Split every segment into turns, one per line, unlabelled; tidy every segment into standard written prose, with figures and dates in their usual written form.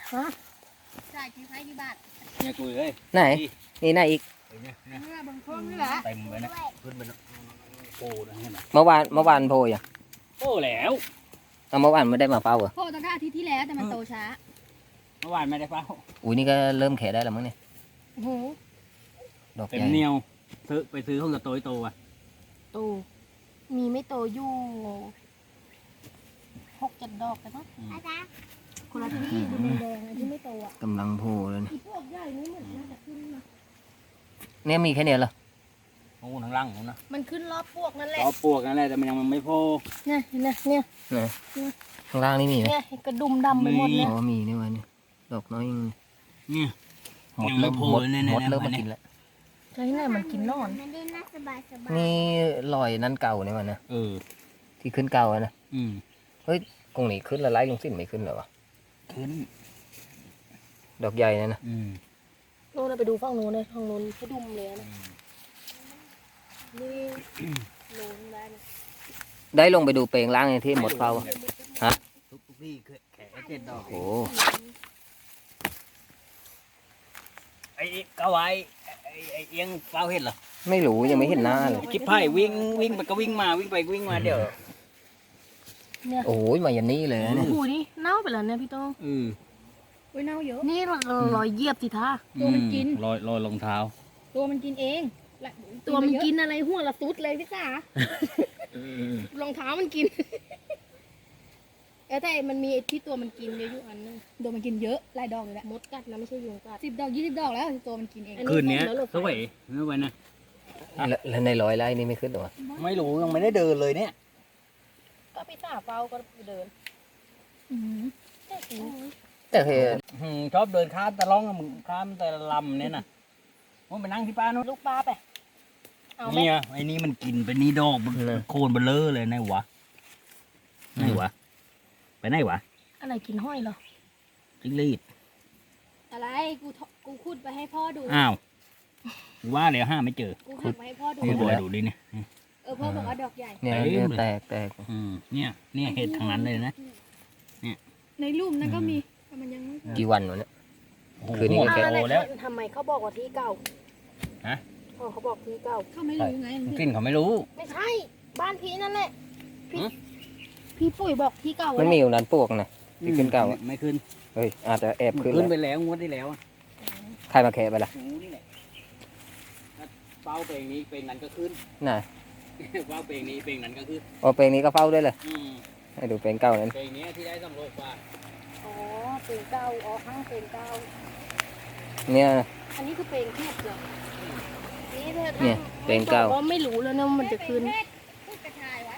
ฮะ
ใช่ที่ไฟที่บ้าน
เนี่ยกุยเลย
ไหนนี่ไหนอีก
เนี่ย
เมื่อบางช่วงนี่แหละ
เต็มเลยนะขึ้นไปโอ้นะเห็นไหม
เมื่อวานโพยอ่ะ
โอ้แล้ว
เอาเมื่อวานไม่ได้มาเฝ้าเหรอ
โพตั้งแต่อาทิตย์ที่แล้วแต่มันโตช้า
เมื่อวานไม่ได้เฝ้า
อุ้ยนี่ก็เริ่มแขะได้แล้วมั้งเนี่ย
โอ้โห
ดอก
เต็
ให
ม
ญ่
เหนียวซื้อห้องกับโตอ่ะ
โตมีไม่โตอยู่6-7 ดอกแต่ก็คนละที่ดูแดงๆที่ไม่โตอ่ะ
กำลังโพเลยนะ
อีพวกใหญ่นี่เหมือนน่าจะขึ้นนะ
เนี่ยมีแค่เนี้ยเหรอ
โอ้ทั้งล่างผมนะ
มันขึ้นรอบพวกนั่นแหละ
รอปลวกนั่นแหละแต่มันยังไม่โผล่
เนี่ยเนี่ย
ข้างล่างนี่มีไหม
เนี่ยกระดุมดำไปหมดเลย
อ๋อมีนี่วะเนี่ยดอกน้อยยัง
เนี่ย
หมด
ยังไม่
เริ่ม
โผล่
หมด
เลยเนี่ย
หมด
เนี่ย
เริ่มมา
เนี่ย
กินแล้ว
แล้วที่ไหนมันกินนอน
มันได้น่าสบายสบาย
นี่ลอยนั่นเก่าเนี่ยมันนะ
เออ
ที่ขึ้นเก่าอะนะ
อืม
กงนี้ขึ้นแล้วไล่ลงสิ้นไม่ขึ้นเหรอวะ
ขึ้น
ดอกใหญ่นะ
อืม
โน่นไปดูฝั่งโน้นเลยฝั่งโน้นกระดุมเลยนะนี่โน้นได้นะ
ได้ลงไปดูเปลงล่างไอ้ที่หมดเฝ้าอะ
ทุกที่แขก7 ดอก
โอ้
ไอ้กะไว้ไอ้เอียงเฝ้าเห็นเหรอ
ไม่รู้ยังไม่เห็นหน้าเลย
คิดไพ่วิ่งไปก็วิ่งมาวิ่งไปวิ่งมาเดี๋ยว
เนี่ย
โอ้ยมายันนี่เลยนะ
โอ้
เนี่ย
โหนี่เน่าไปแล้วเนี่ยพี่โต้ง
อือ
อุ้ยเน่าเยอะ
นี่รอยเหยียบสิท่า
ตัวมันกิน
รอยรองเท้า
ตัวมันกินเองและ
ตัวมันกินอะไรหัวละสุดเลยพี่สาร
องเท้ามันกิน แต่มันมีที่ตัวมันกินเยอะอยู่อันนึงตัวมันกินเยอะหลายดอกเลยแหละ
มดกัดนะไม่ใช่ยุงกัด
10 ดอก 20 ดอกแล้วตัวมันกินเอง
คืนนี้สวยไม่ไหวนะ
แล้วในร้อยไร่นี่ไม่ขึ้นเหรอวะ
ไม่รู้ยังไม่ได้เดินเลยเนี่ย
ก็พี่สาเฝ้าก็เดิน
แต่เคย
ชอบเดินข้ามตะล่องมึงข้ามแต่ลำเนี่ยนะว่าไปนั่งที่ป้านู้น
ลูกปลาไปเอาไหม
เนี่ยไอ้นี่มันกินไปนี่ดอกมันโคนเบลเลอร์เลยไหนวะไหนวะไปไหนวะ
อะไรกินห้อยเหรอ
จิ้งหรีด
อะไรกูขุดไปให้พ่อดู
อ้าวว่าแล้วห้าไม่เจอ
กูหักมาให้พ่อดู
นี่บอยดูดิเนี่ย
พ่อบอกว่าดอกใหญ่
เนี่ย
เต็ม
เนี่ย
เลย
แตก
เนี่ยเห็ดทางนั้นเลยนะ
ในรูปนั้นก็มีแต่มันยังไม่
กี่วันวะเนี่ย
โอ้โห
คืนนี้
หม
ก็
ด
แค่
โตแล้ว
ทำไมเขาบอกว่าที่เก่า
ฮะ
เขาบอกที่เก่า
เขาไม่รู้ไง
กลิ่นเขาไม่รู้
ไม่ใช่ บ้านพี่นั่นแหละ
พี่ปุ๋ยบอกที่เก่า
มันมีอยู่นั้นพวกนะที่ขึ้นเก่าอะ
ไม่ขึ้น
เฮ้ยอาจจะแอบขึ้น
ขึ้นไป
แล้ว
แล้วงวดที่แล้วอะ
ใครมาแคะไปล่ะ
หูนี่แหละเป้าเพลงนี้เพลงนั้นก็ขึ้น
น่ะ
เป้าเพลงนี้เพลงนั้นก็ขึ้น
โอ้เปลงนี้ก็เฝ้าด้วยเลย
อืม
ให้ดูเปลงเก่านั้น
เพลงนี้ที่ได้สำโรงกว่า
อ๋อเป็นเก่าอ๋อข้างเป็นเก่า
เนี่ยนะ
อันนี้คือเพลงเทพเหรอนี่เธอ
เนี่ยเพลงเก่า
ก็ไม่รู้แล้วนะว่ามันจะขึ้น
พูดกระชายไว้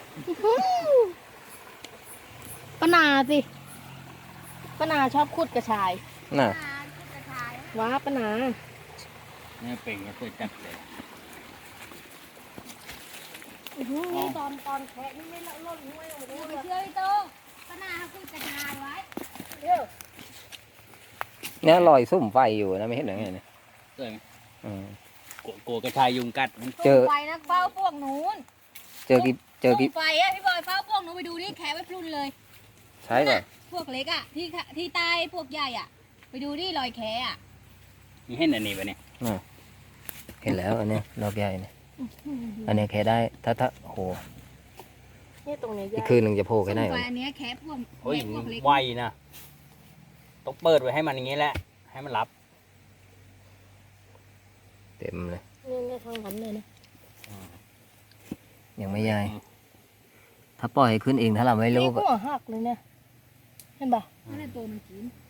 ปนาสิปนาชอบขุดกระชาย
น่ะ
พูดกระชาย
ว้าปนา
เนี่ยเพลงก็เคยจัดเลย
นี่ตอนแคะนี่ไม่ละล่นห้วยลงไป
ดู
ด้วย
ไปเชื่อพี่โตป้านาเขาพูดกระชายไว้
เดี๋ยว
เนี่ยลอยซุ่มไฟอยู่นะไม่เห็นหรือไงเนี่ย
สวยไหม
อืม
กลัวกระชายยุงกัดมัน
เจอ
ไฟนะเฝ้าพวกนู้น
เจอกี่
ไฟอะพี่บอยเฝ้าพวกนู้นไปดูนี่แขะไว้พลุนเลย
ใช่ป่ะ
พวกเล็กอะที่ใต้พวกใหญ่อะไปดูนี่รอยแขะอะ
มีเห็นอันนี้ปะเนี่ย
เห็นแล้วอันเนี้ยดอกใหญ่เนี่ยอันเนี้ยแค่ได้ถ้าโอ้โห
เนี่ยตรงเนี้ย
อีก
ยาก
คืนหนึ่งจะโผล่แค่ไหน
ไฟ
วะ
อันเนี้ยแขะพวก
โอ้ย
พวกเล็ก
ไวนะต้องเปิดไว้ให้มันอย่างนี้แหละ ให้มันรับ
เต็มเลย
เนี่ยทางนั้นเลยนะ
ยังไม่ใหญ่ถ้าปล่อยให้ขึ้นเองถ้าเราไม่รู้
นี่หัวหักเลยเนี่ยเห็นปะ
นั่นแหละตัวมันกิน